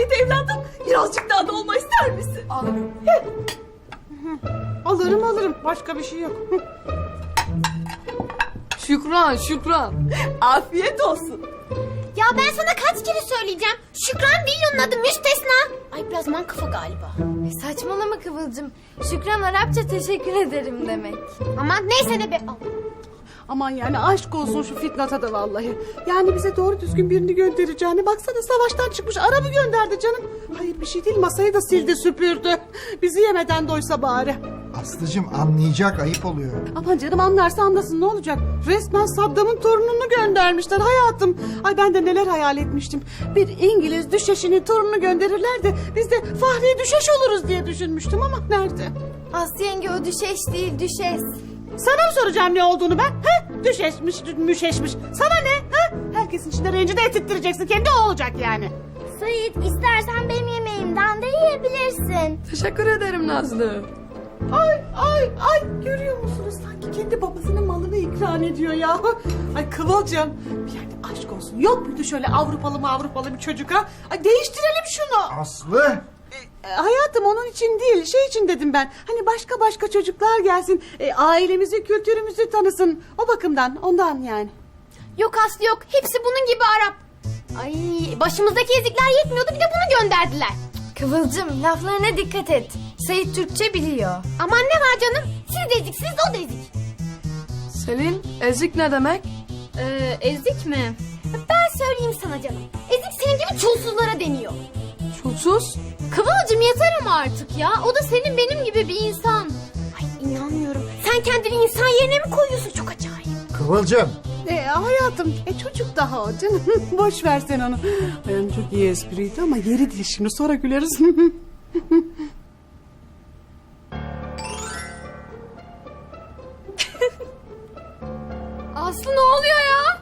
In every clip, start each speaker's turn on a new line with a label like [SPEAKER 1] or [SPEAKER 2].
[SPEAKER 1] Sait evladım, birazcık daha dolma ister misin?
[SPEAKER 2] Alırım.
[SPEAKER 3] Alırım. Başka bir şey yok.
[SPEAKER 2] Şükran.
[SPEAKER 1] Afiyet olsun.
[SPEAKER 4] Ya ben sana kaç kere söyleyeceğim. Şükran değil onun adı, müstesna. Ay biraz mankafa galiba.
[SPEAKER 5] Saçmalama Kıvılcım. Şükran Arapça teşekkür ederim demek.
[SPEAKER 4] Aman neyse de be. Al.
[SPEAKER 3] Aman yani aşk olsun şu Fitnat'a da vallahi. Yani bize doğru düzgün birini göndereceğini. Baksana savaştan çıkmış Arap'ı gönderdi canım. Hayır bir şey değil, masayı da sildi süpürdü. Bizi yemeden doysa bari.
[SPEAKER 6] Aslıcığım anlayacak, ayıp oluyor.
[SPEAKER 3] Aman canım anlarsa anlasın, ne olacak? Resmen Saddam'ın torununu göndermişler hayatım. Ay ben de neler hayal etmiştim. Bir İngiliz düşeşinin torununu gönderirler de biz de Fahriye düşeş oluruz diye düşünmüştüm ama nerede?
[SPEAKER 5] Aslı yenge o düşeş değil düşes.
[SPEAKER 3] Sana mı soracağım ne olduğunu ben? He? Düşeşmiş, müşeşmiş. Sana ne? He? Herkesin içinde rencide ettirttireceksin. Kendi o olacak yani.
[SPEAKER 4] Sait istersen benim yemeğimden de yiyebilirsin.
[SPEAKER 2] Teşekkür ederim Nazlı.
[SPEAKER 3] Ay görüyor musunuz? Sanki kendi babasının malını ikram ediyor ya. Ay Kıvılcım bir yerde aşk olsun. Yok muydu şöyle Avrupalı bir çocuk ha? Ay değiştirelim şunu.
[SPEAKER 6] Aslı!
[SPEAKER 3] Hayatım onun için değil, şey için dedim ben. Hani başka çocuklar gelsin. Ailemizi, kültürümüzü tanısın. O bakımdan, ondan yani.
[SPEAKER 4] Yok Aslı yok. Hepsi bunun gibi Arap. Ay başımızdaki ezikler yetmiyordu, bir de bunu gönderdiler.
[SPEAKER 5] Kıvılcım laflarına dikkat et. Sait Türkçe biliyor.
[SPEAKER 4] Aman ne var canım? Siz de eziksiniz, o da ezik.
[SPEAKER 2] Selin, ezik ne demek?
[SPEAKER 4] Ezik mi? Ben söyleyeyim sana canım. Ezik senin gibi çulsuzlara deniyor.
[SPEAKER 2] Çulsuz?
[SPEAKER 4] Kıvılcım yeter ama artık ya. O da senin benim gibi bir insan. Ay inanmıyorum. Sen kendini insan yerine mi koyuyorsun? Çok acayip.
[SPEAKER 6] Kıvılcım!
[SPEAKER 3] Hayatım, çocuk daha o canım. Boş ver sen onu. Yani çok iyi espriydi ama yeri değil şimdi, sonra güleriz.
[SPEAKER 4] Aslı ne oluyor ya?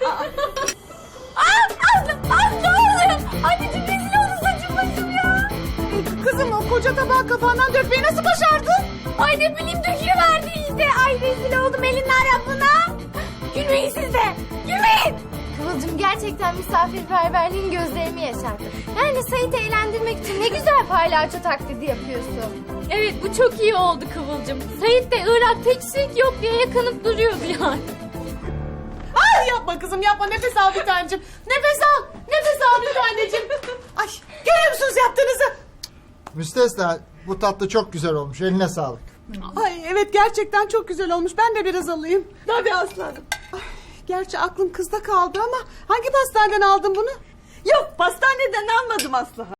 [SPEAKER 4] Aslı ne oluyor? Anneciğim rezil oldu saçım başım ya.
[SPEAKER 3] Kızım o koca tabağı kafağından dökmeyi nasıl başardın?
[SPEAKER 4] Ay ne bileyim dökülüverdi işte. Ay rezil oldum elin Arap'ına. Gülmeyin siz de. Gülmeyin.
[SPEAKER 5] Kıvılcım gerçekten misafirperverliğin gözlerimi yaşardı. Yani Sait'i eğlendirmek için ne güzel palyaço taklidi yapıyorsun.
[SPEAKER 7] Evet bu çok iyi oldu Kıvılcım. Sait de Irak teçhizat yok diye yakınıp duruyordu yani.
[SPEAKER 3] Ay yapma kızım yapma, nefes al bir tanecim. Nefes al bir tanecim. Ay görüyor musunuz yaptığınızı?
[SPEAKER 6] Müstesna, bu tatlı çok güzel olmuş. Eline sağlık.
[SPEAKER 3] Ay evet gerçekten çok güzel olmuş, ben de biraz alayım.
[SPEAKER 1] Tabii aslanım.
[SPEAKER 3] Gerçi aklım kızda kaldı ama hangi pastaneden aldın bunu?
[SPEAKER 1] Yok, pastaneden almadım Aslı.